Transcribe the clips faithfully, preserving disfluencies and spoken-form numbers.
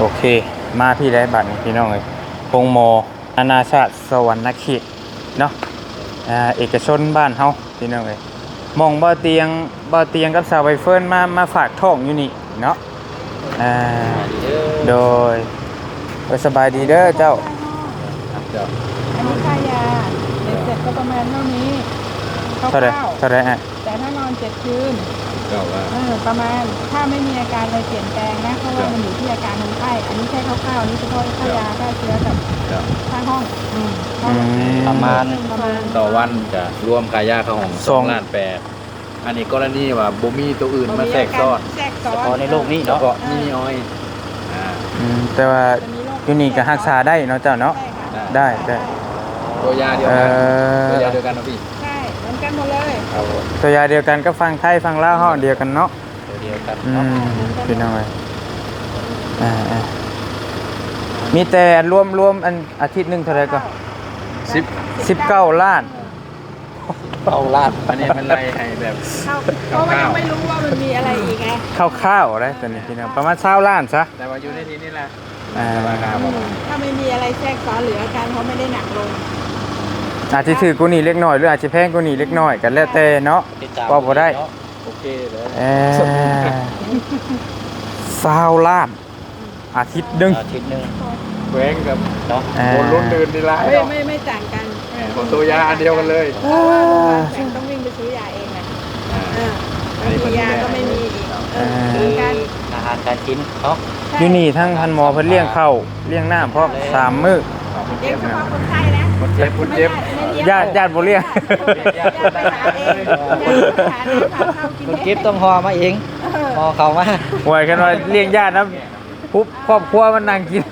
โอเคมาพี่ได้บัตรพี่น้องเลยพงโมอาณาชาติสวรรณเขตเนาะอ่าเอกชนบ้านเฮาพี่น้องเลยมองบ่อเตียงบ่อเตียงกับสาวใบเฟิร์นมามาฝากท้องอยู่นี่เนาะอ่าโดยสบายดีเด้อเจ้าอันนี้ค่ายาเด็กเสร็จก็ประมาณเท่านี้คร่าวเท่าไรเท่าไรฮะๆแต่ถ้านอนเจ็ดคืนเก่าว่าเออประมาณถ้าไม่มีอาการอะไรเปลี่ยนแปลงนะเพราะว่ามันอยู่ที่อาการคนไข้อันนี้แค่คร่าวๆนี่เฉพาะค่ายาค่าเชื้อกับค่าห้องอืมห้องประมาณประมาณต่อวันจะรวมค่ายาเข้าห้องสองล้านแปดอันนี้กรณีว่าบ่มีตัวอื่นมาแทรกซ้อนแทรกซ้อนเฉพาะในโลกนี้เนาะเฉพาะมีอ้อยอ่าอืมแต่ว่าอยู่นี่ก็รักษาได้เนาะเจ้าเนาะได้ได้ตัวยาเดียวเอ่กันตัวยาอเดียวกันนะพี่ใช่เหมือนกันหมดเลยเอาตัวยาเดียวกันก็ฟังไทยฟังลาวเฮาเดียวกันเนาะตัวเดียวกันอืเนาะมพี่น้องเอ้ยอ่าอ่ามีแต่รวมรวมอันอาทิตย์หนึงเท่าไหร่ก็สิบสิบเก้าล้านเอาลาดอันนี้มันไล่ให้แบบเข้าเพราะว่ายังไม่รู้ว่ามันมีอะไรอีกไงคร่าวๆได้ตัวนี้พี่น้องประมาณ20ล้านซะแต่ว่าอยู่ในที่นี่แหละอ่าราคาประมาณถ้าไม่มีอะไรแทรกซ้อนหรืออาการเขาไม่ได้หนักลงอาจจะถือกูนี่เล็กน้อยหรืออาจจะแพงกูนี่เล็กน้อยกันแล้วแต่เนาะก็บ่ได้โอเคเลยเออสาวล้านอาทิตย์หนึงอาทิตย์นึงแหวงกับเนาะอ่าโดนล้นเดินดีละไม่ไม่ไม่ต่างกันของตัวยาอันเดียวกันเลยเออแต่ต้องวิ่งไปซื้อยาเองนะเอออันนี้มีเป็นยาก็ไม่มีอีกเออเหมือนกันอาหารการกินเนาะอยู่นี่ทั้งพันหมอเพิ่นเลี้ยงข้าวเลี้ยงน้ำพร้อมสามมื้อเลี้ยงเฉพาะคนไข้นะคนเจ็บคนเจ็บญาติญาติบ่เลี้ยงญาติไปหาเองญาติไปหาเองหาข้าวกินคนเอเก็บงต้องหอมาเองเออหอเขามาหวยกันว่าเลี้ยงญาตินะปุ๊บครอบครัวมันนั่งกิน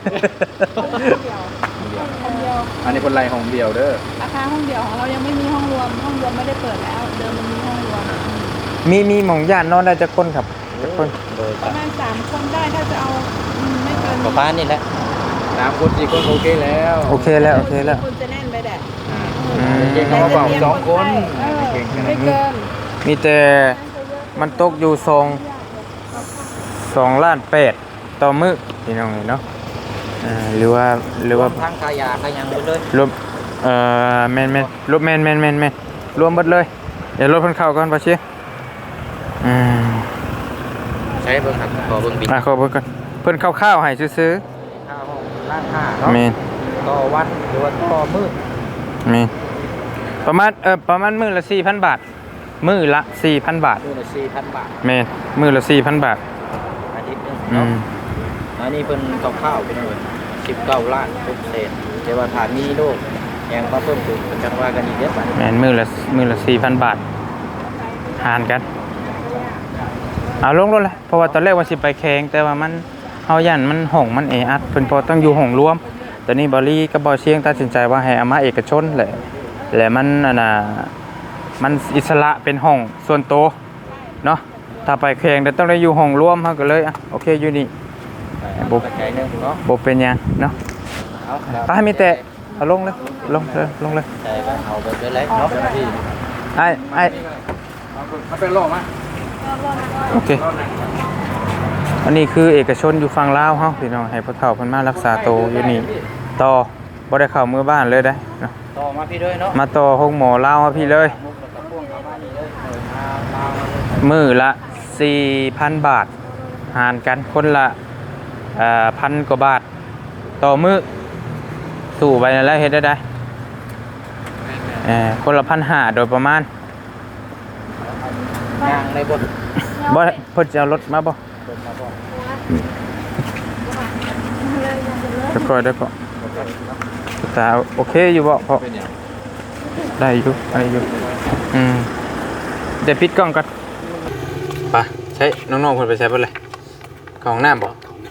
คนเดียวอันนี้คนไรห้องเดียวเด้อราคาห้องเดียวของเรายังไม่มีห้องรวมห้องรวมไม่ได้เปิดแล้วเดิมมันมีห้องรวมมีมีหม่องญาตินอนได้จักคนครับจักคนโดยประมาณสามคนได้ถ้าจะเอาอืมไม่เกินประมาณนี้แหละสามคนสี่คนโอเคแล้วโอเคแล้วโอเคแล้วคุณจะแน่นไปแดดอ่าเก่งเขามาเป่าสองคนเออเก่งขนาไม่ดนี้เกินมีแต่มันตกอยู่สองสองล้านแปดต่อมื้อพี่น้องเนาะอ่าหรือว่าหรือว่าทางขายาขายยังหมดเลยรวมเอ่อแม่นแม่นรวมแม่นแม่นแม่นแม่นรวมหมดเลยเดี๋ยวรถเพิ่นเข้าก่อนบ่เชียอืมใช้เบิ่งหักขอเบิ่งบินอ่ะขอเบิ่งก่อนเพิ่นเข้าวๆให้ซื้อค่าห้องล้านห้าๆเนาะแม่นต่อวันหรือว่าต่อมื้อแม่นประมาณเอ่อประมาณมื้อละสี่พันบาทมื้อละสี่พันบาทมื้อละสี่พันบาทแม่นมื้อละสี่พันบาทอาทิตย์หนึงอืเนาะมอันนี้เพิ่นคร่าวๆเป็นเลยสิบเก้าล้านทุกเศษแต่ว่าถ้ามีโรคยังมาเพิ่มขึ้นก็จังว่ากันอีกเด้อบัดนี้แม่นมื้อละมื้อละสี่พันบาทหารกันเอาลงรถเลยเพราะว่าตอนแรกว่าสิไปแข่งแต่ว่ามันเฮาย่านมันห้องมันแออัดเพิ่นพอต้องอยู่ห้องรวมตอนนี้บอลี่กับบอเชียงตัดสินใจว่าให้เอามาเอกชนแหละและมันอันน่ะมันอิสระเป็นห้องส่วนตัวเนาะถ้าไปแข่งเดี๋ยวต้องได้อยู่ห้องรวมเฮาก็เลยอ่ะโอเคอยู่นี่บ่ปัจจัยหนึงเนาะบ่เป็นหยังเนาะเอาไปให้มีแต่เอาลงเลยลงเลยลงเลยใจว่าเอาไปเลยแหละเนาะพี่ไอ้ไอ้มาเป็นโลกมั้ยโอเคอันนี้คือเอกชนอยู่ฝั่งลาวเฮาพี่น้องให้พ่อเฒ่าเพิ่นมารักษาตัวอยู่นี่ต่อบ่ได้เข้ามือบ้านเลยได้เนาะต่อมาพี่ด้วยเนาะมาต่อห้องหมอลาวมาพี่เลยมุกแล้วก็พ่วงเข้ามานี่เลยเออมามาเลยมื้อละ สี่พัน บาท หารกันคนละเอ่อพันกว่าบาท ต่อมื้อสู่ไปนั่นแหล้วเฮ็ดได้ได้เอ่อคนละพันห้าโดยประมาณย่างในบนบ่เพิ่นจะเอารถมาบ่บนมาบ่เดี๋ยวก่อนเดี๋ยวก่อนตาโอเคอยู่บ่พอเป็นอย่างได้อยู่ได้อยู่อืมเดี๋ยวปิดกล้องก่อนไปใช้น้องๆเพิ่นไปใช้เพิ่นเลยเข้าห้องน้ำบ่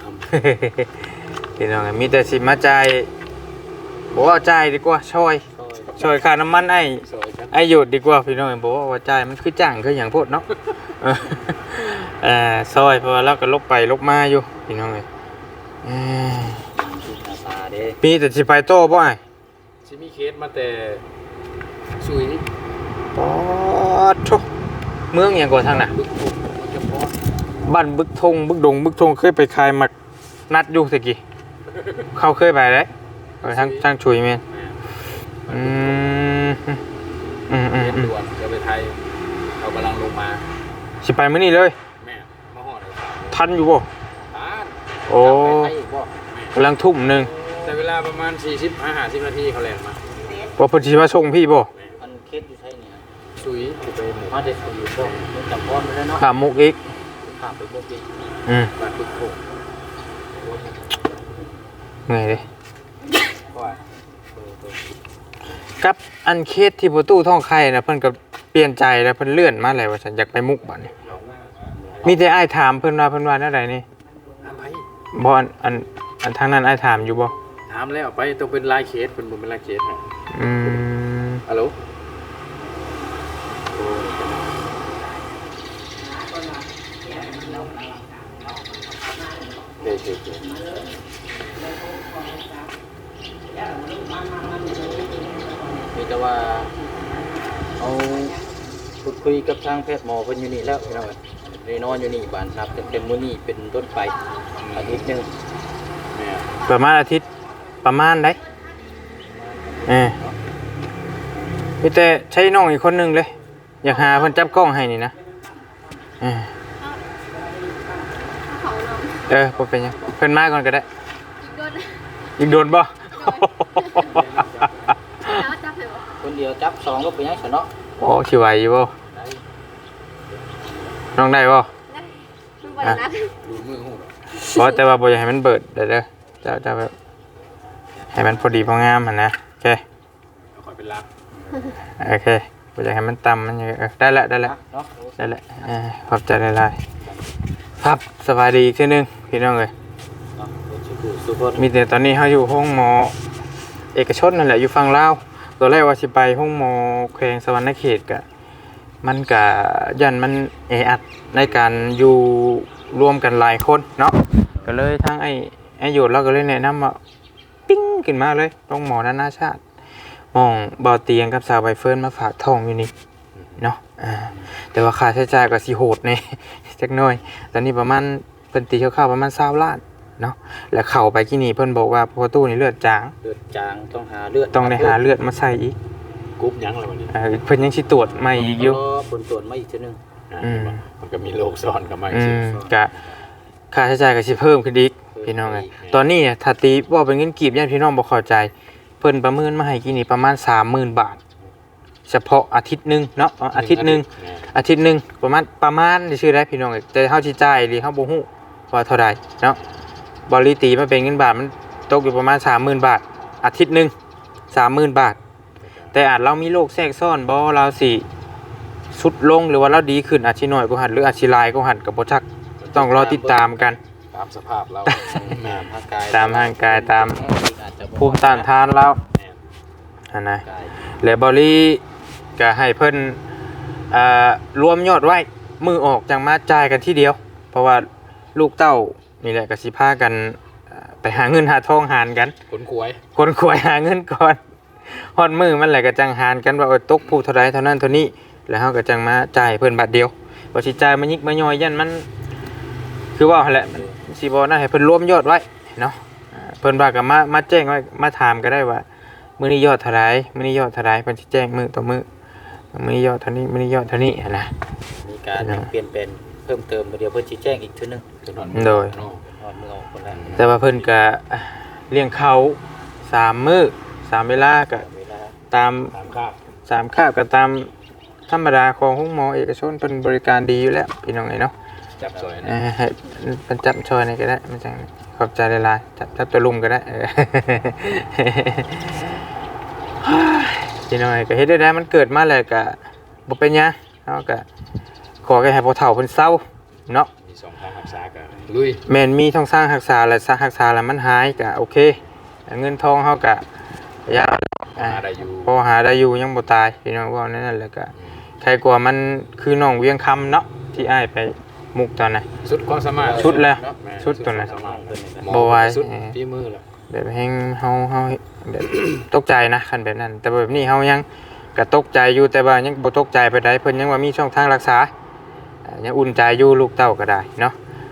พี่น้องมีแต่สิมาจ่ายบอกว่าจ่ายดีกว่าช่วยช่วยค่าน้ำมันไอ้ไอ้หยุดดีกว่าพี่น้องบอกว่าว่าจ่ายมันคือจ้างคืออย่างโพดเนาะ เออเอ่อซอยเพราะว่าเราก็ลบไปลบมาอยู่พี่น้องเอ้ยเอ้ยตาเด้มีแต่สิไปโต้บ่ไอ้ชิมีเคสมาแต่สุยปอดโถเมืองหยังก่อนทางน่ะบึกบุกเฉพาะบ้านบึกทงบึกดงบึกทงเคยไปขายหมักนัดอยู่ตะกี้เข้าเคยไปเลยเออทางทางชุยแม่นอืมอืมอืมเรียนอืมด่วนจะไปไทยเรากำลังลงมาสิไปมื้อนี้เลยแม่มาห่อเลยทันอยู่บ่ตานโอ้ไปไทยอีกบ่กำลังทุ่มหนึงแต่เวลาประมาณสี่สิบห้าสิบนาทีเขาแล่นมาว่าเพิ่นสิมาส่งพี่บ่มันเคสอยู่ไทยนี่นะซุยจะไปหมู่มาแต่สุอยู่ช่องมันจับพรไปแล้วเนาะข้ามมุกอีกข้ามไปบ่ปีอืมบ้านปึ๊กโขงเหนื่อยเลยเพราะว่ากับอันเคสที่ประตูท่องไข่นะเพิ่นก็เปลี่ยนใจแล้วเพิ่นเลื่อนมาแล้วว่าฉันอยากไปมุกบัดนี้มีแต่อ้ายถามเพิ่นว่าเพิ่นว่าแนวใดนี่ถามไปบ่อันอันอันทางนั้นอ้ายถามอยู่บ่ถามแล้วไปต้องเป็นลายเคสเป็นบนเป็นลายเคสนะอืมฮัลโหลโอเคโอเคมีแต่ว่าเอาพูดคุยกับทางแพทย์หมอเพิ่นอยู่นี่แล้วพี่น้องได้นอนอยู่นี่บ้านครับเต็มๆมื้อนี้เป็นต้นไปอาทิตย์หนึงแม่ประมาณอาทิตย์ประมาณได้เออมีแต่ใช้น้องอีกคนหนึงเลย อยากหาเพิ่นจับกล้องให้นี่นะเออเออบ่เป็นหยังเพิ่นมาก่อนก็ได้ อีกโดนบ่คนเดียวจับสองก็เป็นยังไงเนาะโอ้สิไหวอยู่บ่น้องได้บ่ดูมือหูหรอเพราะแต่ว่าบ่อยากให้มันเบิดเด้อเด้อจะจะแบบให้มันพอดีพองามหั่นนะโอเคเอาคอยเป็นรักโอเคบ่อยากให้มันต่ำมันเออได้แล้วได้แล้วเนาะได้แล้วเออขอบใจหลายๆครับสบายดีอีกทีหนึงพี่น้องเอ้ยเนาะสุขสุขมีแต่ตอนนี้เฮาอยู่ห้องหมอเอกชนนั่นแหละอยู่ฝั่งลาวตอนแรกว่าสิไปห้องหมอแขวงสวรรณเขตก็มันก็ยันมันแออัดในการอยู่รวมกันหลายคนเนาะก็เลยทางไอ้ไอ้โยดเราก็เลยแนะนำว่าปิ้งขึ้นมาเลยห้องหมอนานาชาติหมองบ่อเตียงกับสาวใบเฟิร์นมาฝากท้องอยู่นี่เนาะอ่าแต่ว่าค่าใช้จ่ายก็สิโหดแน่ จักหน่อยตอนนี้ประมาณเพิ่นตีคร่าวๆประมาณยี่สิบล้านเนาะแล้วเข้าไปที่นี่เพิ่นบอกว่าพอตู้นี่เลือดจางเลือดจางต้องหาเลือดต้องได้หาเลือดมาใส่อีกกรุ๊ปยังอะไรวันนี้เออเพิ่นยังสิตรวจใหม่อีกอยู่ผลตรวจมาอีกทีนึงอืมมันก็มีโรคซ้อนกับมันอืสิมก็ค่าใช้จ่ายก็สิเพิ่มขึ้นอีกพี่น้องเอ้ยตอนนี้เนี่ยถ้าตีว่าเป็นเงินกีบญาติพี่น้องบ่เข้าใจเพิ่นประเมินมาให้กี่นี่ประมาณ สามหมื่น บาท เฉพาะอาทิตย์หนึงเนาะอ๋ออาทิตย์หนึงอาทิตย์หนึงประมาณประมาณชื่อได้พี่น้องเอ้ยแต่เฮาสิจ่ายหรือเฮาบ่ฮู้ว่าเท่าใดเนาะบริตีมาเป็นเงินบาทมันตกอยู่ประมาณ สามหมื่น บาท อาทิตย์หนึง สามหมื่น บาท แต่อาจเรามีโรคแทรกซ้อนบ่เราสิสุดลงหรือว่าเราดีขึ้นอาจสิน้อยกว่าหันหรืออาจสิหลายกว่าหันก็บ่จักต้องรอติดตามกันตามสภาพเราตามร่างกายตามร่างกายตามอาจจะภูมิต้านทานเราอันนะกายและบริก็ให้เพิ่นอ่ารวมยอดไว้มือออกจังมาจ่ายกันที่เดียว เพราะว่าลูกเต้านี่แหละก็สิพากันอ่าไปหาเงินหาทองหารกันคนขวยคนขวยหาเงินก่อนฮอดมือมันแหละก็จังหารกันว่าเออตกผู้เท่าใดเท่านั้นเท่านี้แล้วเฮาก็จังมาจ่ายเพิ่นบาทเดียวบ่สิจ่ายมายิกมาย่อยยันมัน คือว่าหั่นแหละมันสิบ่น่าให้เพิ่นรวมยอดไว้เนาะอ่าเพิ่นว่าก็มามาแจ้งไว้มาถามก็ได้ว่ามื้อนี้ยอดเท่าใดมื้อนี้ยอดเท่าใดเพิ่นสิแจ้งมื้อต่อมื้อมื้อนี้ยอดเท่านี้มื้อนี้ยอดเท่านี้หันนะมีการเปลี่ยนแปลงเพิ่มเติมเดี๋ยวเพิ่นชี้แจงอีกทีนึงโดยเนาะนอนมือออกคนละแต่ว่าเพิ่นก็เลี้ยงเขาสามมื้อสามเวลาก็เวลาตามตามข้าวสามคาบก็ตามธรรมดาของห้องหมอเอกชนเพิ่นบริการดีอยู่แล้วพี่น้องเอ้ยเนาะจับซอยเอนะอให้เพิ่นจับช่อยนี่ก็ได้มันจังขอบใจหลายๆจับจับตัวลุมก็ได้เออ พี่น้องเอ้ยก็เฮ็ดได้ได้มันเกิดมาแล้วก็บ่เป็นหยังเฮาก็ขอแค่ให้พ่อเฒ่าเพิ่นเซาเนาะมีสองทางรักษากันลุยแม่นมีท่องสร้างรักษาและสร้างรักษาแล้วมันหายก็โอเคเงินทองเฮาก็ยาหาได้อยู่พอหาได้อยู่ยังบ่ตายพี่น้องว่านั่นแหละก็ใครกลัวมันคือน้องเวียงคำเนาะที่อ้ายไปมุกตอนนั้นสุดความสามารถชุดแล้วแม่ชุดตัวนั้นสุความสามารถบ่ไหวสุดที่มือแล้วแบบแฮงเฮาเฮาแบบ ตกใจนะคันแบบนั้น แต่แบบนี้เฮายังก็ตกใจอยู่แต่ว่ายังบ่ตกใจไปได้เพิ่นยังว่ามีช่องทางรักษาอ่ายังอุ่นใจอยู่ลูกเต้าก็ได้เนาะอ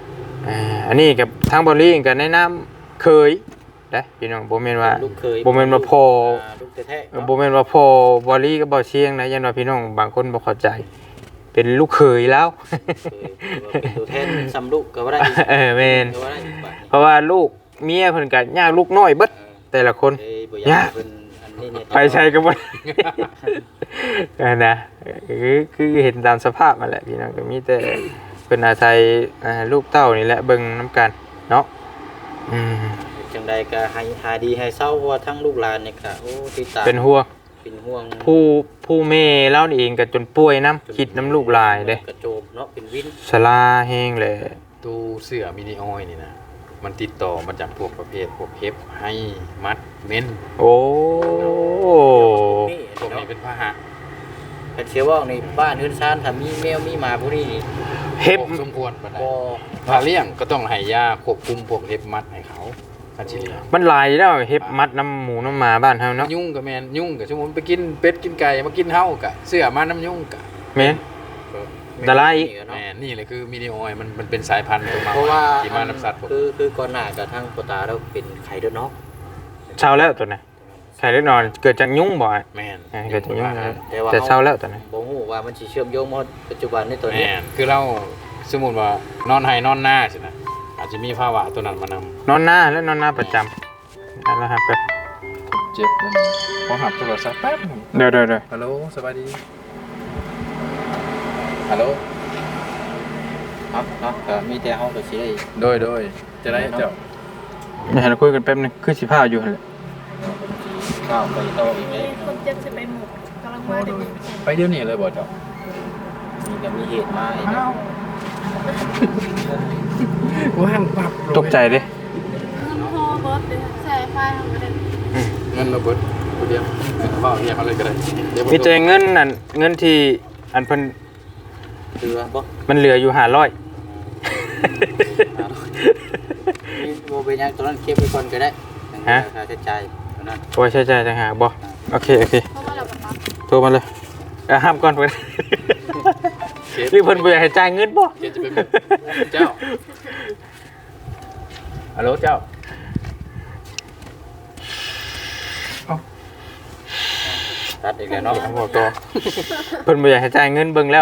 อ่าอันนี้กับทางบริงกับแนะนำเคยได้พี่น้องบ่แม่นว่าลูกเคยบ่แม่นว่าพ่ออ่าลูกแท้ๆเนาะบ่แม่นว่าพ่อบริกับบ่เชียงนะยันว่าพี่น้องบางคนบ่เข้าใจ เป็นลูกเขยแล้วเคยเป็นตัวแทนซ้ำลูกก็ว่าได้อีกเออแม่นก็ว่าได้อีกบาทเพราะว่าลูกเมียเพิ่นก็ยากลูกน้อยเบิดแต่ละคนเอ้ยบ่อยากให้เพิ่นอันนี้เนี่ยไปใช้ก็บ่ ได้นะคือคือเห็นตามสภาพมาแหละพี่น้องก็มีแต่เพิ่นอาศัยอ่าลูกเต้านี่แหละเบิ่งนํกันเนาะอืมจังใดก็ให้หาดีให้เศร้าเพราะว่าทั้งลูกหลานเนี่ยก็โอ้ติดตามเป็นห่วงเป็นห่วงผู้ผู้แม่เล่านี่เองก็จนป่วยน้ำคิดน้ำลูกหลายเด้กระโจมเนาะเป็นวินสลาแห้งเลยตู้เสื้อมินิออยนี่นะมันติดต่อมาจากพวกประเภทพวกเฮฟให้มัดเม้นโอ้นี่พวกเนาะนี้เป็นพาหะเป็นเชื่อว่าในบ้านเฮือนซ่านถ้ามีแมวมีหมาพวกนี้นี่เฮ็บสมควรปานใดบ่ถ้าเลี้ยงก็ต้องให้ยาควบคุมพวกเฮฟมัดให้เขาคันสิเลี้ยงมันหลายแล้วเฮ็บมัดน้ำหมูน้ำหมาบ้านเฮาเนาะยุ่งกับแมนยุ่งกับสมมุติไปกินเป็ดกินไก่มากินเฮากะเสื้อมาน้ำยุ่งกะแม่น ดาราอีกแมนนี่เลยคือมินิออยมันมันเป็นสายพันธุ์ตัวมาเพราะว่าที่มาน้ำสัตว์ผมคือคือก่อนหน้ากับทั้งปตาแล้วเป็นไข่เดือดเนาะเช้าแล้วตัวน่ะไข่เล็กนอนเกิดจากยุงบ่อ่ะแมนอ่าเกิดจากยุงแล้วแต่ว่าแต่เช้าแล้วตัวน่ะบ่ฮู้ว่ามันสิเชื่อมโยงมาปัจจุบันในตัวแมนี้นคือเราสมมุติว่านอนไห้นอนหน้าใช่ไหมอาจจะมีภาวะตัวนั้นมานำนอนหน้าแล้วนอนหน้าประจำนั่นแหละครับแป๊บเจ็บนั่นพอหับโทรศัพท์แป๊บหนึ่งเดี๋ยวเดี๋ยวเดี๋ยวฮัลโหลสวัสดีฮัลโหลครับเนาะก็มีแต่เฮาก็สิได้โดยโดยจะได้เจ้าเดี๋ยวเราคุยกันแป๊บนึงคือสิพาอยู่หั่นแหละก้าวไปต่ออีกได้คนเจ็บจะไปหมดกำลังมาเด็กไปเดี๋ยวนี้เลยบ่เจ้ามีก็มีเหตุมาอีกแล้วว่างปับตกใจเด้เงินพอบอสเลยใส่ไฟทำกันเลยเงินระเบิดกูเดียวเงินพ่อเรียกมาเลยก็ได้เดี๋ยวมีแต่เงินนั่นเงินที่อันเพิ่นเรือบ่มันเหลืออยู่ห้าร้อยมีบ่เป็นหยังตัวนั้นเก็บไว้ก่อนก็ได้ฮะค่าใช้จ่ายตัวนั้นโอ้ยใช่ใช่ต่างหากบ่โอเคโอเคเพราะว่าเราแบบว่าโทรมาเลยเอ่อห้ามก่อนเพิ่นหรือเพิ่นบ่อยากให้จ่ายเงินบ่เดี๋ยวจะไปบอกเจ้าฮัลโหลเจ้าตัดอีกแล้วเนาะเอาบอกต่อเพิ่นบ่อยากให้จ่ายเงินเบิ่งแล้ว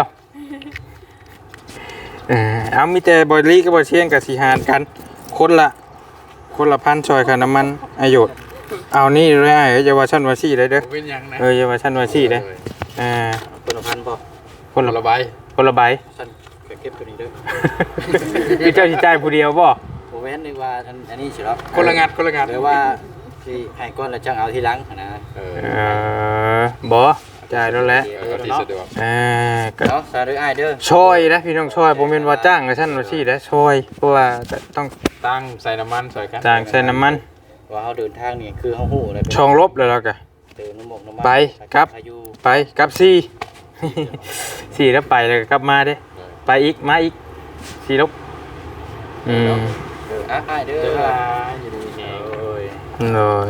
เออเอามีแต่บ่ลีกับบ่เชียงกับสิหารกัน คนละคนละพันซอยค่าน้ำมันอายุเอานี่เลยไอ้เยาวชนว่าซี่ได้เด้อเป็นยังนะเออเยาวชนว่าซี่เด้อเอ่าคนละพันบ่คนคนละละใบคนละใบฉันก็เก็บตัวนี้เด้อคือเจ้าสิจ่ายผู้เดียวบ่บ่แม่นนึกว่าอันอันนี้สิครับคนละงานคนละงานหรือว่าสิให้ก่อนแล้วจังเอาทีหลังนะเออเออบ่จ่ายแล้วแหละเออที่สะดวกเอ่าก็เนาะสาธุอ้ายเด้อช่วยนะพี่น้องช่วยบ่แม่นว่าจ้างกับฉันว่าซี่เด้อช่วยเพราะว่าก็ต้องตั้งใส่น้ำมันใส่กันจ้างใช้น้ำมันว่าเฮาเดินทางนี่คือเฮาฮู้เลยช่องลบแล้วเราก็เดินน้ำหมกน้ำมันไปครับพายุไปกลับสี่ สี่แล้วไปแล้วก็กลับมาเด้ไปอีกมาอีกสี่ลบอืมเด้ออ่ะอ้ายเด้อเจอลาอยู่ดีแฮงโอ้ยเลย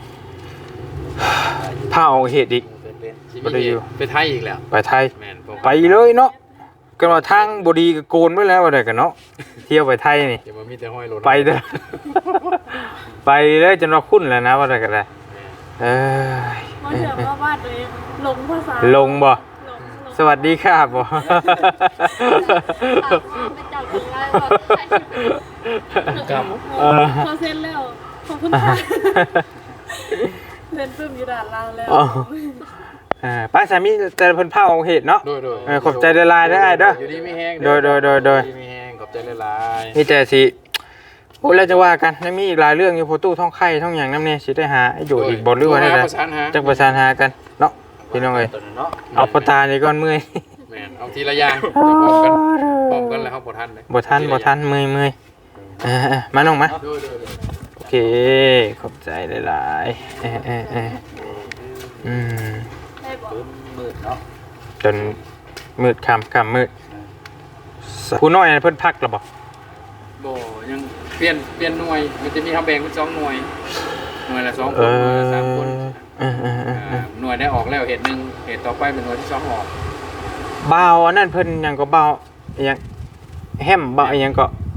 ผ้าออกเหตุอีกเป็นเป็นสิบ่ได้อยู่ไปไทยอีกแล้วไปไทยแม่นพวกไปเลยเนาะกันว่าทางบดีก็โกนไว้แล้วว่าได้กันเนาะเที่ยวไปไทยนี่อย่ามามีแต่ห้อยรถไปเด้อ ไปเลยจนว่าคุ้นแล้วนะว่าได้กันได้เอ้ยเพราะเชื่อว่าบ้านตัวเองลงภาษาลงบ่ลงลงสวัสดีครับบ่ถามว่าไปจับคนร้ายก่อนใครที่กับเออพอเซ็นแล้วขอบคุณค่ะเซ็นปึ้มอยู่ด่านล่างแล้วอ๋อ อ่าป้าสามีแต่เพิ่นผ้าออกเหตุเนาะโดยโดยเออขอบใจหลายๆเด้ออ้ายเด้ออยู่ดีไม่แห้งโดยโดยโดยโดยอไม่แห้งขอบใจหลายมีแต่สิโอ้แล้วจะว่ากันยังมีอีกหลายเรื่องอยู่โพตู้ท่องไข่ท่องหยังนำเนี่ยสิได้หาให้ๆอยู่อีกบ่หรือว่าได้โทไดประสานหาจักประสานหากันเนาะพี่น้องเอ้ยตัวนั้นเนาะเอาปตานี่ก่อนเมื่อยแม่นเอาทีละอย่างพร้อมกันพร้อมกันแล้วเขาบ่ทันเลยบ่ทันบ่ทันเมื่อยเมื่อยอ่าๆมาน้องมาโดยโดยโดยโอเคขอบใจหลายๆเออเออเอออืมได้บอกปื้มมืดเนาะจนมืดค่ำค่ำมืดผู้น้อยนั่นเพิ่นพักแล้วบ่บ่ยังเปลี่ยนเปลี่ยนหน่วยมันจะมีทำแบ่งเป็นสองหน่วย หน่วยละสองคเอนหน่วยละสามคนอเออเออเออเออ่าอหน่วยได้ออกแล้วเหตุหนึ่งเหตุต่อไปเป็นหน่วยที่สองออกบ่าวอันนั้นเพิ่นหยังก็บ่าวอิหยังแฮมบ่าวอิหยังก็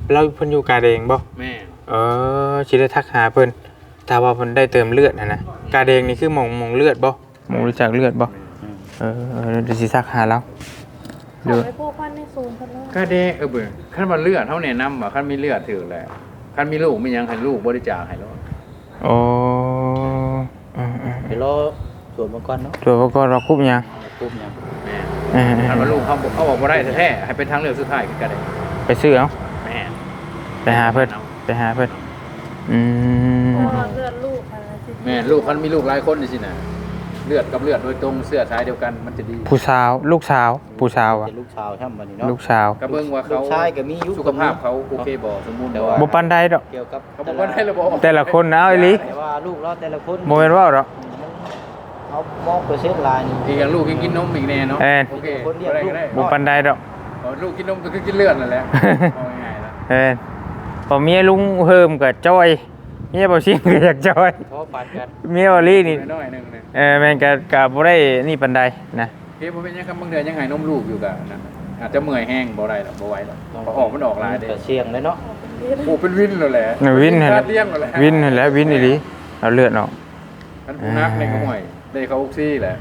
เราเพิ่นอยู่กาแดงบ่แม่เออสิได้ทักหาเพิ่นถ้าว่าเพิ่นได้เติมเลือดน่ะนะกาแดงนี่คือหม่องหม่องเลือดบ่หม่องรู้จักเลือดบ่เออเออเดี๋ยวสิทักหาแล้วขอไปพวกพันในซูนกันแล้วก็เด้เออเบิ่งคันว่าเลือดเฮาแนะนำว่าคันมีเลือดถือแหละคันมีลูกมีหยังให้ลูกบริจาคให้โลดโอ้อืมเดี๋ยวรอสวดมังกรเนาะๆตัวก็เราคุบยังปุ๊บเนี่ยแม่เออคันว่าลูกเขาบอกเขาบอกบ่ได้แท้ๆให้เป็นทางเลือกสุดท้ายคือกันได้ไปซื้อเอาแม่ไปหาเพิ่นไปหาเพิ่นอืมเพราะว่าเลือดลูกอะไรสิแม่ลูกคันมีลูกหลายคนนี่สินะเลือดกับเลือดโดยตรงเสื้อสายเดียวกันมันจะดีผู้สาวลูกสาวผู้สาวอ่ะเป็นลูกชาวช่ำบัดนี้เนาะลูกสาวก็เบิ่งว่าลูเขากชายก็มีอยู่สุขภาพเขาโอเคบ่สมบูรณ์แต่บ่ว่าบ่ปานใดดอกเกี่ยวกับเขาบอกว่าได้ระบบแต่ละคนนะเอาอีหลีแต่ว่าลูกเราแต่ละคนบ่แม่นว่าดอกเอามองเปอร์เซ็นต์ลายนี่อีกอย่างลูกยังกินนมอีกแน่เนาะเออโอเคคนเดียวได้ก็ได้บ่ปานใดดอกอ๋อลูกกินนมก็คือกินเลือดนั่นแหละเอาง่ายๆแล้วเออพอเมียลุงเฮิมก็จอยเมียบ่ชิงก็อยากจอยเพราะปานกันเมียบ่ลีนี่น้อยๆหนึงนะเออแม่นก็ก็บ่ได้นี่ปานใดนะเฮ้ยบ่เป็นหยังครับบางเดือนยังให้นมลูกอยู่ก็นะอาจจะเมื่อยแห้งบ่ได้หรอกบ่ไหวหรอกเพราะออกมันออกหลายเด้แต่เสียงเลยเนาะโอ้เป็นวินแล้วแหละวินนั่นแหคาละดเลี้ยงแล้วแหละวินนั่นแหละวินอีหลีเอาเลือดออกมันผู้นักในก็ห่วยได้เขาออกซี่แหละ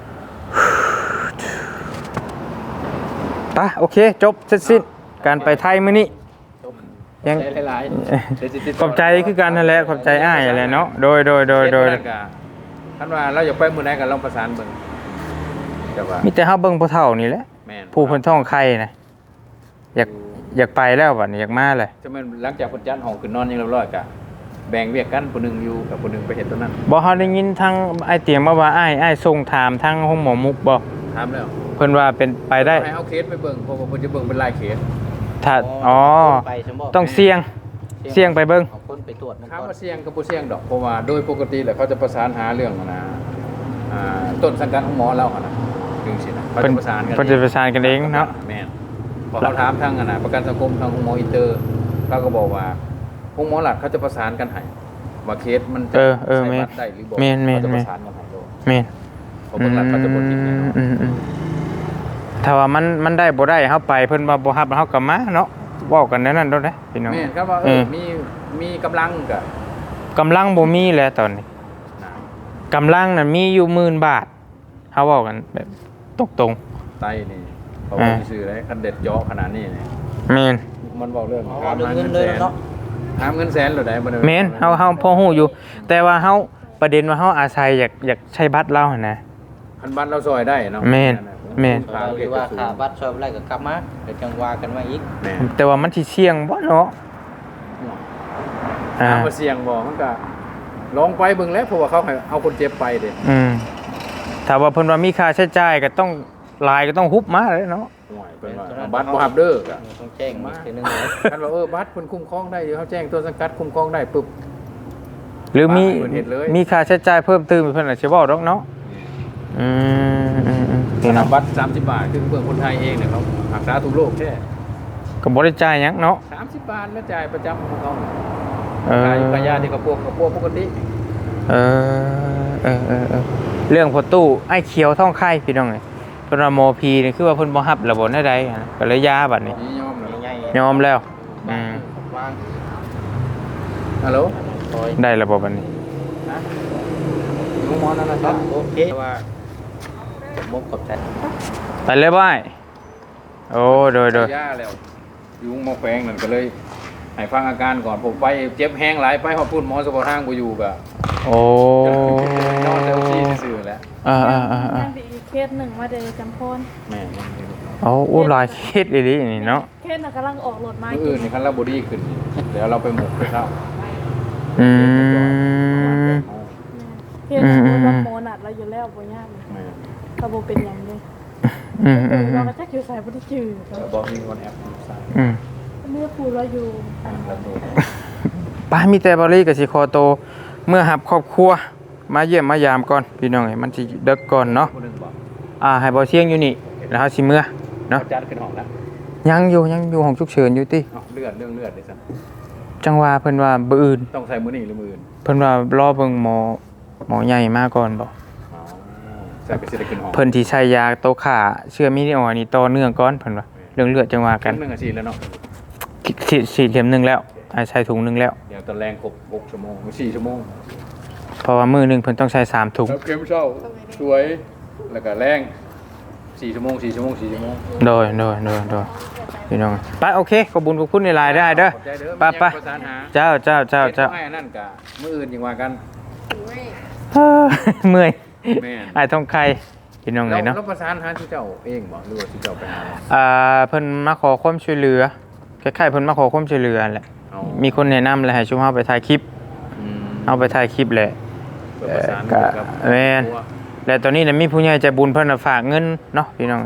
ปะโอเค จบเสร็จสิ้นการไปไทยมื้อนี้ยังได้หลายๆเดี๋ยวสิติดต่ขอบใจคือกันนั่นแหละขอบใจอ้ายอะไรเนาะโดยโดยโดยโดยเฮ็ก็ท่านว่าเราอยากไปมื้อใดก็ลองประสานเบิ่งแต่ว่ามีแต่เฮาเบิ่งผู้เฒ่านี่แหละแม่นผู้เพิ่นท้องไข่นะอยากอยากไปแล้วบัดนี้อยากมาเลยจะแม่นหลังจากเพิ่นจัดห้องขึ้นนอนยังเรียบร้อยก็แบ่งเวียกกันผู้หนึงอยู่กับผู้หนึงไปเฮ็ดตัวนั้นบ่เฮาได้ยินทางไอ้ายเตียงมาว่าอ้ายอ้ายส่งถามทางห้องหมอมุกบ่ถามแล้วเพิ่นว่าเป็นไปได้ให้เอาเคสไปเบิ่งเพราะว่าเพิ่นจะเบิ่งเป็นรายเคสถ้าอ๋อไปใช่บ่ต้องเสี่ยงเสี่ยงไปเบิ่งเอาคนไปตรวจมันถามก่อนว่าเสี่ยงกับบ่เสี่ยงดอกเพราะว่าโดยปกติแล้วเขาจะประสานหาเรื่องนะอ่าต้นสังกัดของหมอเราอะนะถึงสินะเขาเพิ่นจะประสานกันเพิ่นจะประสานกันเองเนาะแม่นพอเขาถามทางอะนะประกันสังคมทางหมออินเตอร์เราก็บอกว่าพวกหมอหลักเขาจะประสานกันให้ว่าเคสมันจะเออเออใช้แม่นบัตรได้หรือบ่แม่นแม่นเขาจะแม่ปนระสานกันให้โดยแม่นเพราะเบิ่งหลักเขาจะบ่ทิ้งแน่นอนอืมอืมถ้าว่ามันมันได้บ่ได้เฮาไปเพิ่นว่าบ่ฮับเฮาก็มาเนาะเว้ากันแนวนั้นโดดเด้พี่น้องแม่นครับว่าเอเอออมีมีกำลังก็กำลังบ่มีแล้วตอนนี้นะกำลังน่ะมีอยู่หมื่นบาทเฮาเว้ากันแบบตรงไตนี่เขาบ่มีชื่อเลยคันเด็ดเจาะขนาดนี้นี่ๆแม่นมันบอกเรื่องเอาถามเรื่องหาเงิเงินนเลยแสนเนาะถามเงินแสนเหรอได้บ่ได้แม่นเฮาเฮาพอฮู้อยู่ แต่ว่าเฮาประเด็นว่าเฮาอาศัยอยากอยากใช้บัตรเราหั่นนะคันบัตรเราซอยได้เนาะแม่นแม่นขาหเรีรืยอก ว่าสูงขาบัตรชอบอะไรก็กลับมาเดี๋ยวจังว่ากันมาอีกแม่นแต่ว่ามันสิเสี่ยงบ่เนาะอ่าถามว่าเสี่ยงบ่มันก็ลองไปเบิ่งแล้วเพราะว่าเขาให้เอาคนเจ็บไปเด้อืมถ้าว่าเพิ่นว่ามีค่าใช้จ่ายก็ต้องรายก็ต้องฮุบมาเลยเนาะห่วยเพิ่นว่าเอาบัตรบ่ฮับเด้อก็ต้องแจ้งมาทีนึงเลยคันว่าเออบัตรเพิ่นคุ้มครองได้อยู่เขาแจ้งตัวสังกัดคุ้มครองได้ปึ๊บหรือมีเพิ่นเฮ็ดเลยมีค่าใช้จ่ายเพิ่มเติมเพิ่นอาจสิเว้าดอกเนาะอืมอืมอืมพี่น้องบัตรสามสิบบาทคือเพื่อนคนไทยเองเนี่ยเขารักษาทุกโรคแค่ก็บ่ได้จ่ายหยังเนาะสามสิบบาทแล้วจ่ายประจำของเขาเออขายอยู่กับยาที่กระพวกกระพวกปกติเออเออเออเออเรื่องพอตู้ไอ้เขียวท่องไข่พี่น้องเอ้ยเพิ่นว่าหมอพีนี่คือว่าเพิ่นบ่รับระบบได้ใดอะนะก็เลยยาบัดนี้นี่ยอมเลยใหญ่ยอมแล้วอืมวางฮัลโหลคอยได้ระบบบัดนี้นะลุงหมอนั่นนะคครัรับบ โอเคว่าผมมุกกับแทนไปเลยบ่ายโอ้โดยโดยยาแล้วยุงมาแฝงนั่นก็เลยให้ฟังอาการก่อนผมไปเจ็บแห้งหลายไปหอดพุ่นหมอสปอร์ทางบ่อยู่ก็โอ้นอนแล้วซี่ซื่อๆแหล้วอ่าอ่าอ่าอ่ายังมีอีกเคสหนึ่งมาเดยจำพรแม่โอ้โอ้หลายเคสอีหลีนี่เนาะเคสน่ะกำลังออกรถมามื้ออื่นนี่คันเราบ่ดีขึ้นเดี๋ยวเราไปหมกไปเข้าอืมเคสน่ะว่าโมนัดเราอยู่แล้วบ่ยากแม่ก็บ่เป็นหยังเลยอืมอืมอืเรามก็จักอยู่ใส่บ่ได้จื้อแล้วบอกมีคนแอปใส่อืมเมื่อครูเราอยู่อันแล้วตัวป้ามีแต่บริกับสิคอโต เมื่อหับครอบครัว มาเยี่ยมมายามก่อน พี่น้องเอ้ยมันสิเด็กก่อนเนาะคนหนึงบอกอ่าให้บ่เสียงอยู่นี่แล้วเฮาสิเมื่อเนาะเขาจัดขึ้นห้องแล้วยังอยู่ยังอยู่ห้องฉุกเฉินอยู่ติเอาเลือดเรื่องเลือดเลยสิจังว่าเพิ่นว่าบ่อื่นต้องใส่มือนี่หรือมืออื่นเพิ่นว่ารอเบิ่งหมอหมอใหญ่มาก่อนบ่อ๋อใส่ไปเสร็จขึ้นห้องเพิ่นที่ใช้ยาโตขาเชื้อมีนิออนี่ต่อเนื่องก่อนเพิ่นว่าเรื่องเลือดจังว่ากันหนึ่งอาชีพแล้วเนาะฉีดฉีดเข็มหนึงแล้วอ่าใส่ถุงหนึงแล้วเดี๋ยวตอนแรงครบหกชั่วโมงสี่ชั่วโมงเพราะว่ามื้อหนึงเพิ่นต้องใช้สามถุงแล้วเข็มเช้าสวยแล้วก็แรงสี่ชั่วโมงสี่ชั่วโมงสี่ชั่วโมงโดยโดยโดยโดยพี่น้องไปโอเคขอบคุญขอบคุณในไลน์ได้เด้อขอบใจเด้อไปไปประสานหาเจ้าเจ้าเจ้าเจ้าฮ็ดบ่ให้อันนั่นกะมื้ออื่นยังว่ากันเฮ้อเมื่อยแม่นไอ้ทองไข่พี่น้องไงเนาะเราประสานหาที่เจ้าเองบ่หรือว่าที่เจ้าไปหาอ่าเพิ่นมาขอความช่วยเหลือคล้ายๆเพิ่นมาขอความช่วยเหลือแหละเอามีคนแนะนำเลยให้ชุมเฮาไปถ่ายคลิปอืมเอาไปถ่ายคลิปแหละเพื่อประสานเอ่อกับแม่นครอบครัวและตอนนี้เนี่ยมีผู้ใหญ่ใจบุญเพิ่นน่ะฝากเงินเนาะพี่น้อง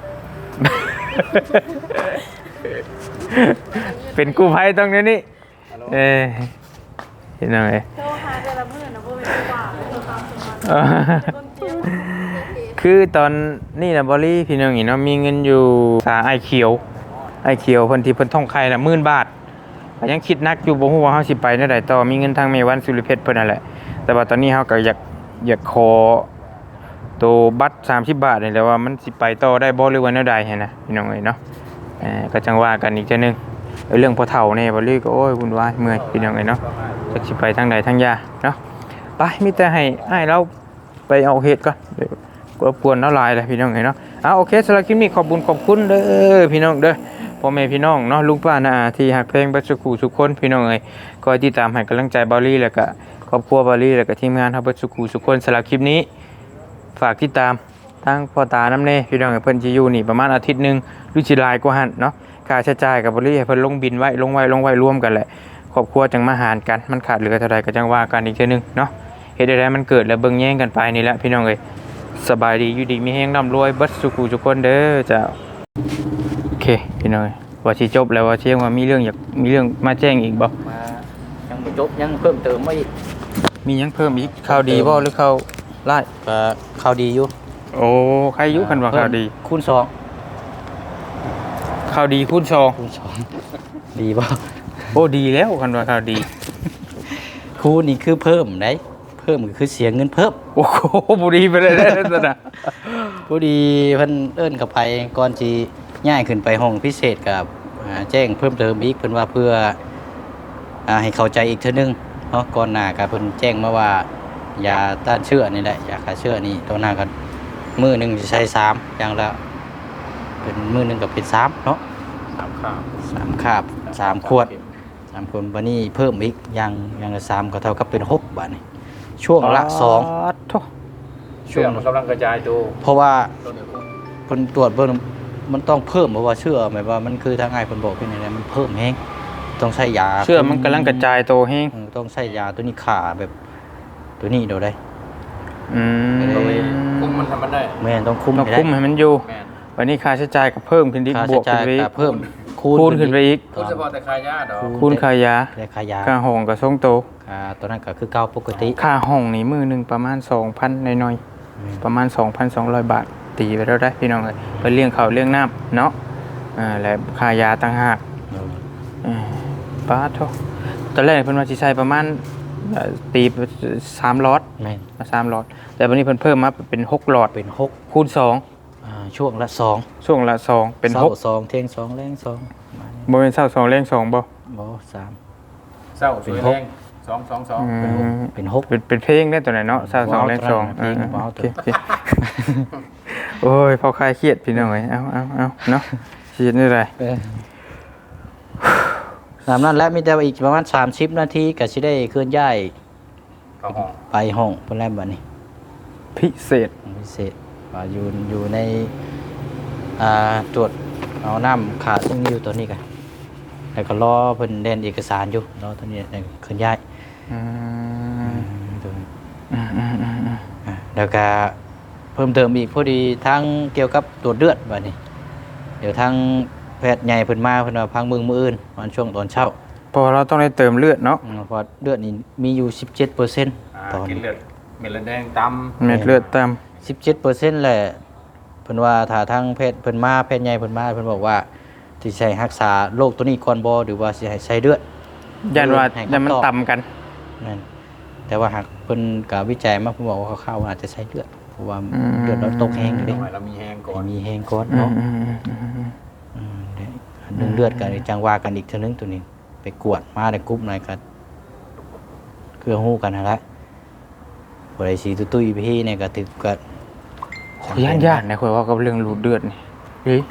เป็นกู้ภัยต้องเดี๋ยวนี้เอ้ยพี่น้องเอ้ยโทรหาแต่ละมื้อนะบ่เป็นว่าโทรตามสมัครเออคนเจียวคือตอนนี้นะบอลลี่พี่น้องนี่เนาะมีเงินอยู่สาไอเขียวไอเขียวเพิ่นที่เพิ่นท่องไข่ละหมื่นบาทก็ยังคิดนักอยู่บ่ฮู้ว่าเฮาสิไปแนวใดต่อมีเงินทางเมวันสุริเพชรเพิ่นนั่นแหละแต่ว่าตอนนี้เฮาก็อยากอยากขอตัวบัตรสามสิบบาทนี่แหละว่ามันสิไปต่อได้บ่หรือว่าแนวใดหันนะพี่น้องเอ้ยเนาะเอ่อก็จังว่ากันอีกเทื่อนึงเอ้ยเรื่องพ่อเฒ่านี่บอลลี่ก็โอ้ยวุ่นวายเมื่อยพี่น้องเอ้ยเนาะจักสิไปทางใดทางยาเนาะไปมีแต่ให้ให้เราไปเอาเฮ็ดก่อนเดี๋ยว รบกวนน้าลายเลยพี่น้องเนาะอ่ะโอเคสำหรับคลิปนี้ขอบคุณขอบคุณเด้อพี่น้องเด้อพ่อแม่พี่น้องเนาะลุงป้าน้าอาที่ฮักเพลงบัสสุขูสุขคนพี่น้องเอ้ยคอยติดตามให้กำลังใจบอลลี่แล้วก็ครอบครัวบอลลี่แล้วก็ทีมงานฮับบัสสุขูสุขคนสำหรับคลิปนี้ฝากติดตามทั้งพ่อตาน้ำเน่พี่น้องเอ้ยเพิ่นสิอยู่นี่ประมาณอาทิตย์หนึงหรือสิหลายกว่าหั่นเนาะค่าใช้จ่ายกับบอลลี่ให้เพิ่นลงบินไว้ลงไว้ลงไว้รวมกันแหละครอบครัวจังมาหารกันมันขาดเหลือเท่าใดก็จังว่ากันอีกเทื่อนึงเนาะเฮ็ดได้มันเกิดแล้วเบิ่งแย่งกันไปนี่แหละพี่น้องเอ้ยสบายดีอยู่ดีมีแฮงร่ำรวยเบัดสุขุทุกคนเด้อเจ้าโอเคพี่น้องเอ้ยว่าสิจบแล้วว่าเชียงว่ามีเรื่องอยากมีเรื่องมาแจ้งอีกบ่มายังบ่จบยังเพิ่มเติมมาอีกมีหยังเพิ่มอีกข่าวดีบ่หรือข่าวร้ายก็ข่าวดีอยู่โอ้ใครอยู่คันว่าข่าวดีคูณสองข่าวดีคูณสองคูณสองดีบ่โอ้ดีแล้วคันว่าข่าวดีคูณนี่คือเพิ่มได้เพิ่มก็คือเสียเงินเพิ่มโอ้โหบ่ดีไปเลยเด้อซั่นน่ะพอดีเพิ่นเอิ้นกับไปก่อนสิย้ายขึ้นไปห้องพิเศษกับอ่าแจ้งเพิ่มเติมอีกเพิ่นว่าเพื่ออ่าให้เข้าใจอีกเทื่อนึงเนาะก่อนหน้าก็เพิ่นแจ้งมาว่ายาต้านเชื้อนี่แหละยาฆ่าเชื้อนี่ตัวหน้าก็มื้อหนึงสิใช้สามอย่างละเป็นมื้อหนึงก็เป็นสามเนาะสามข้าวสามคาบสามขวดสามขวดบัดนี้เพิ่มอีกอย่างอย่างละสามก็เท่ากับเป็นหกบาทนี่ช่วงละสองโธ่เชื่อมันกำลังกระจายตัวเพราะว่าต้นเดียวกันเพิ่นตรวจเบิ่งมันต้องเพิ่มเพราะว่าเชื่อหมายว่ามันคือทางง่ายเพิ่นบอกเป็นอย่างไรมันเพิ่มแฮงต้องใช้ยาเชื่อมันกำลังกระจายตัวแฮงเออต้องใช้ยาตัวนี้ขาแบบตัวนี้เดี๋ยวได้อืมต้องมีคุมมันทำมันได้แม่นต้องคุมต้องให้ได้คุมให้มันอยู่แม่นวันนี้ค่าใช้จ่ายก็เพิ่มขึ้นอีกค่าบใช้วกจ่าขึ้ยนไปอีก็กเพิ่มคูณขึ้นไปอีกคุณเฉพาะแต่คายาดอกคูณค่ายาแต่ค่ายาค่าห้องก็ทรงโตค่าตัวนั้นก็คือเก่าปกติค่าห้องนี่มือหนึ่งประมาณสองพันหน่อยอืมๆประมาณสองพันสองร้อยบาท ตีไปแล้วได้พี่น้องเลยไปเลี้ยงเขาวเลี้ยงน้ำเนาะอ่าและค่ายาต่างหากเอออ่าป้าโทตอนแรกเพิ่นว่าสิใช้ประมาณเอ่อตีสามหลอดแม่นสามหลอด แต่วันนี้เพิ่นเพิ่มมาเป็นหกหลอดเป็นหกคูณสองอ่าช่วงละสองช่วงละสองเป็นหกช้าสองเที่ยงสองแรงสองประมาณนี้บริเวณเศร้าสองแรงสองบ่บ่สามเศร้าสวยแรงสองสองสองอืเป็นหกมเป็นหกเป็นเป็นเพลงได้ตัวไหนเนาะเศร้าสองแรงสองเพลงเออเบาโอตัเคว โอเคโอ้ยพอคลายเครียดพี่น้องเอ้ยเอาเอาเอาเนาะเครียดนี่ไรเออตามนั้นแล้วมีแต่ว่าอีกประมาณสามสิบนาทีก็สิได้เคลื่อนย้ายเข้าห้องไปห้องเพิ่นแล้วบัดนี้พิเศษพิเศษว่าอยู่อยู่ในอ่าตรวจเอาน้ำขาซึ่งอยู่ตัวนี้กันแล้วก็รอเพิ่นเดินเอกสารอยู่รอตัวนี้ได้เคลื่อนย้ายอืมตัวนี้อืมอืมอืมอืมอ่าแล้วก็เพิ่มเติมอีกพอดีทั้งเกี่ยวกับตรวจเลือดบัดนี้ เดี๋ยวทางแพทย์ใหญ่เพิ่นมาเพิ่นว่าพังมือมื้ออื่นวันช่วงตอนเช้าเพอเราต้องได้เติมเลือดเนาะอืมเพราะเลือดนี่มีอยู่ สิบเจ็ดเปอร์เซ็นต์อ่าตอนกินนี้เลือดเม็ดเลือดแดงตำเม็ดเลือดต่สิบเจ็ดเปอร์เซ็นต์แหละเพิ่นว่าถ้าทางแพทย์เพิ่นมาแพทย์ใหญ่เพิ่นมาเพิ่นบอกว่าสิใช้รักษาโรคตัวนี้ก่อนบ่หรือว่าสิให้ใช้เลือดำยันว่ายันมันต่ำกันนั่นแต่ว่าหากเพิ่นก็วิจัยมาเพิ่นบอกว่าคร่าวๆว่าอาจจะใช้เลือดเพราะว่าเลือดเราตกแห้งต้เด้องให้เรามีแห้งก่อนให้มีแห้งก่อนอืมเนาะอืมอืมอืมอืมอืมเดี๋ยวเรื่องเลือดกันจังว่ากันอีกเท่านึงตัวนี้ ไปกวดมาในกรุ๊ปหน่อยกันคือฮู้กันนั่นแหละบ่ได้สิตุ้ยๆพี่เนี่ยก็ถึกก็ย่านย่านนะคุยว่ากับเรื่องรูดเดือดนี่เฮ้ย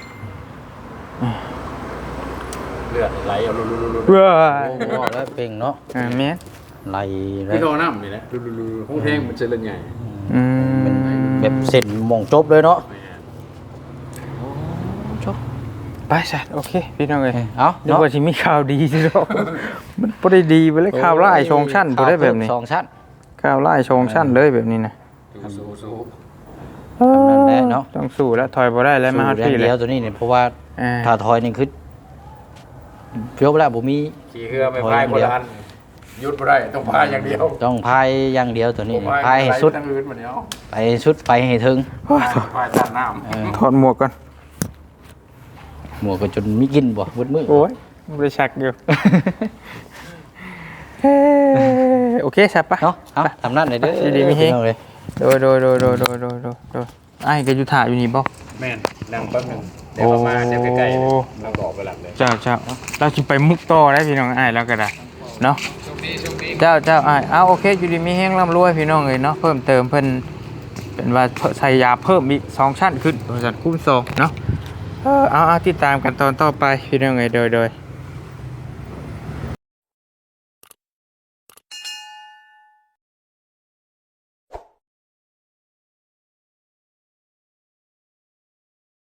เลือดไหลเอาลุลุลุเว้ยโอ้โหแล้วเป่งเนาะอ่าแม่นไหลเลพี่ยโทน้ำนี่แหละลุลุลุห้องแทงมันจะเล่นใหญ่อืมแบบเส้นหม่องจบเลยเนาะไปซะโอเคพี่น้องเอ้ยเอ้านึกเนาะว่าสิมีข่าวดีสิเนาะมันบ่ได้ดีไปเลยข่าวร้ายชงชั้นบ่ได้แบบนี้สองชั้นข่าวร้ายชงชั้นเลยแบบนี้นะสู้สู้นั่นแหละเนาะต้องสู้แล้วถอยบ่ได้แล้วมาฮอดสู้พี่อย่างเลเดียยวตัวนี้เนี่ยเพราะว่าอ่าถ้าถอยนี่คือเพียวแล้วบ่มีขี่เรือไม่พายคนละอันยุดไม่ได้ต้องพายอย่างเดียวต้องพายอย่างเดียวตัวนี้พายให้สุดทั้งอื่นมาเดียวไปสุดไปให้ถึงพายตัดน้เออถอดหมวกก่อนหมวกก็จนมีกินบ่เบิดมือโอ้ยบ่ได้ชักอยู่เฮ้โอเคซับปะเนาะเอาทำนั่นเลยเด้อดีๆมีเฮงพี่น้องเลยโดยโดยโดยโดยโดยโดยโดยโดยไอ้ก็อยู่ถ่ายอยู่นี่บ่ำแม่นนั่งแป๊บหนึงเดี๋ยวมาเดี๋ยวใกล้ๆเลยเราก็ออกไปหลับเลยเจ้าเจ้าเราสิไปมุกต่อได้พี่น้องไอ้แล้วก็ได้เนาะเจ้าเจ้าไอ้เอาโอเคอยู่ดีมีแห้งร่ำรวยพี่น้องเลยเนาะเพิ่มเติมเพิ่นเป็นว่าใส่ยาเพิ่มอีกสองชั้นขึ้นบริษัทคุ้มสองเนาะเออเอาเอาติดตามกันตอนต่อไปพี่น้องเลยโดยโดย